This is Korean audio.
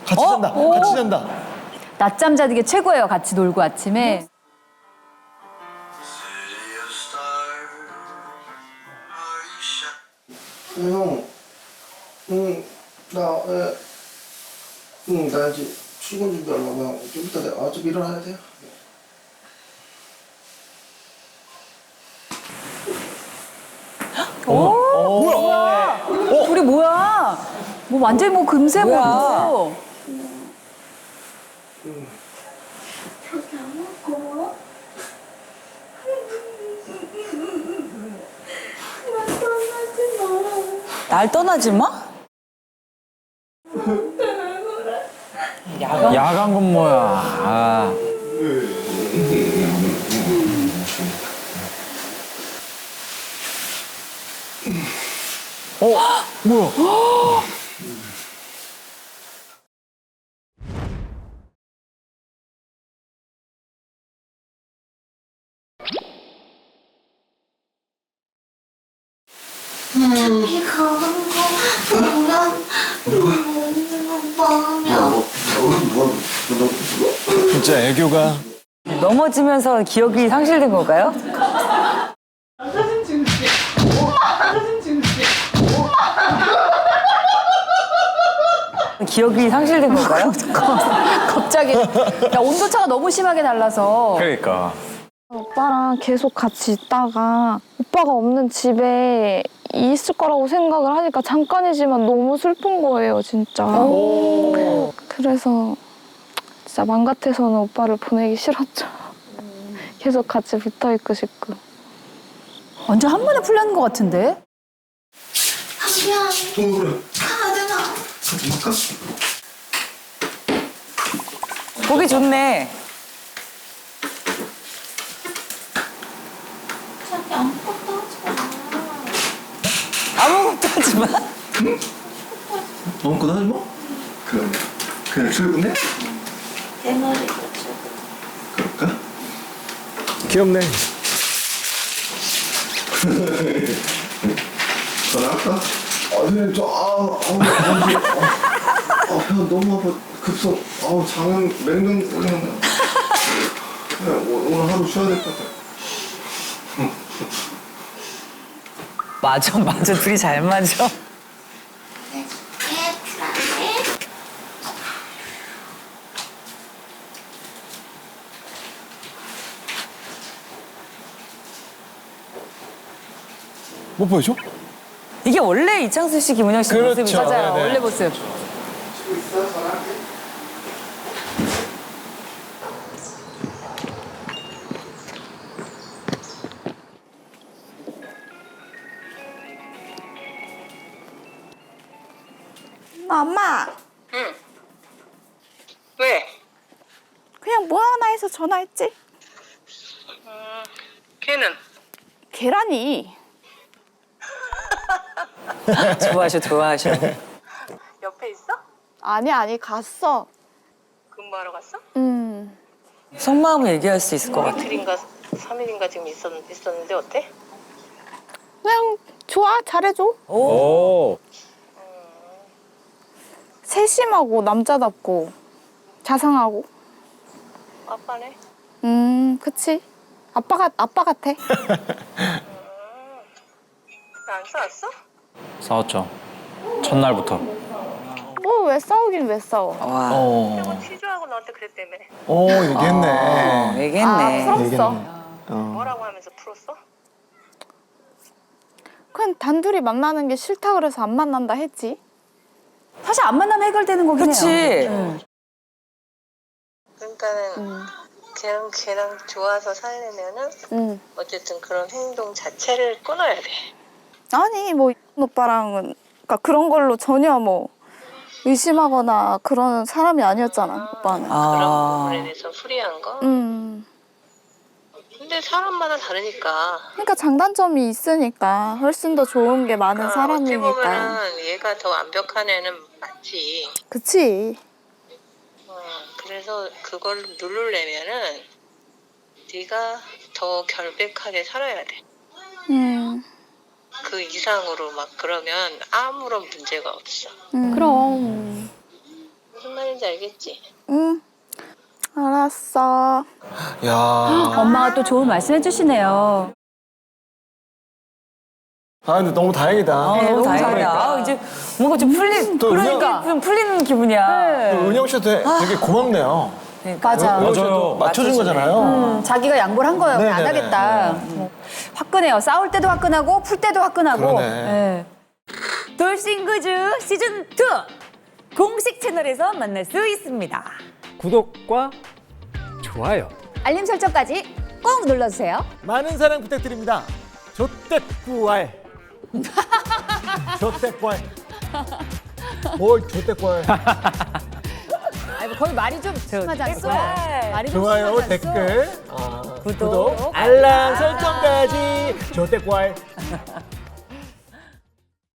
같이 잔다. 같이 잔다. 낮잠 자는 게 최고예요. 같이 놀고 아침에. 형, 나 이제 출근 준비하려고 좀 이따 내가 좀 일어나야 돼요. 둘이 뭐야? 뭐 완전 뭐 금세 뭐. 저기 안 먹고. 나 떠나지 마. 날 떠나지 마? 야간 근무야. 아. 뭐야? 저기 가는 거 보면 마음이 진짜 애교가. 넘어지면서 기억이 상실된 건가요? 기억이 상실된 건가요? 갑자기 야, 온도차가 너무 심하게 달라서. 그러니까. 오빠랑 계속 같이 있다가 오빠가 없는 집에 있을 거라고 생각을 하니까 잠깐이지만 너무 슬픈 거예요, 진짜. 그래서 진짜 맘 같아서는 오빠를 보내기 싫었죠. 계속 같이 붙어 있고 싶고. 완전 한 번에 풀렸는 것 같은데? 한편 그래. 가야 되나? 갈까? 보기 좋네. 저기 아무것도 하지 마. 아무것도 하지 마. 아무것도 하지 마? 그냥 출근해? 내 머리가 지금. 그럴까? 귀엽네. 전화할까? 선생님 배 너무 아파. 급성, 장은 맹금 그냥 오늘 하루 쉬어야 될 것 같아. 맞아. 둘이 잘 맞아. 불안해. 뭐 보여줘? 이게 원래 이창수 씨, 김은영 씨 그렇죠. 모습이죠? 맞아요. 네네. 원래 모습. 치고 있어? 전화할게. 엄마, 왜? 그냥 뭐 하나 해서 전화했지? 걔는? 계란이. 좋아하셔. 옆에 있어? 아니, 갔어. 근무하러 갔어? 속마음을 얘기할 수 있을 것 같아. 이틀인가 3일인가 지금 있었는데 어때? 그냥 좋아, 잘해줘. 오. 세심하고 남자답고 자상하고. 아빠네? 그치. 아빠 같아. 안 싸웠어? 싸웠죠. 첫날부터. 뭐 왜 싸우긴 왜 싸워. 와. 형은 취조하고 너한테 그랬다며. 얘기했네. 얘기했네. 풀었어. 뭐라고 하면서 풀었어? 그냥 단둘이 만나는 게 싫다 그래서 안 만난다 했지. 사실 안 만나면 해결되는 거긴 그치. 해요. 그러니까는 걔랑 좋아서 살려면은 어쨌든 그런 행동 자체를 끊어야 돼. 아니 뭐 오빠랑은 그러니까 그런 걸로 전혀 뭐 의심하거나 그런 사람이 아니었잖아, 오빠는. 그런 부분에 대해서 풀이한 거? 근데 사람마다 다르니까. 그러니까 장단점이 있으니까 훨씬 더 좋은 게 많은 어찌 사람이니까. 보면은 얘가 더 완벽한 애는 맞지. 그치. 그래서 그걸 누르려면은 네가 더 결백하게 살아야 돼. 그 이상으로 막 그러면 아무런 문제가 없어. 그럼. 무슨 말인지 뭔지 알겠지? 응. 알았어. 야. 엄마가 또 좋은 말씀 해주시네요. 아, 근데 너무 다행이다. 너무 너무 다행이다. 잘했다. 아, 이제 뭔가 좀 풀린, 또 그러니까 좀 풀리는 기분이야. 은영 씨도 되게 고맙네요. 맞아. 은영 씨도 맞아요. 맞춰준 거잖아요. 자기가 양보를 한 거예요. 안 네네네. 하겠다. 화끈해요. 싸울 때도 화끈하고 풀 때도 화끈하고. 그러네. 네. 돌싱구즈 시즌 2 공식 채널에서 만날 수 있습니다. 구독과 좋아요. 알림 설정까지 꼭 눌러주세요. 많은 사랑 부탁드립니다. 조떼꾸알. 조떼꾸알. 뭘 조떼꾸알. 아니, 거의 말이 좀 심하지 않소? 댓글. 말이 좀 좋아요, 심하지 않소? 댓글, 구독, 알람 설정까지 조떼꾸알.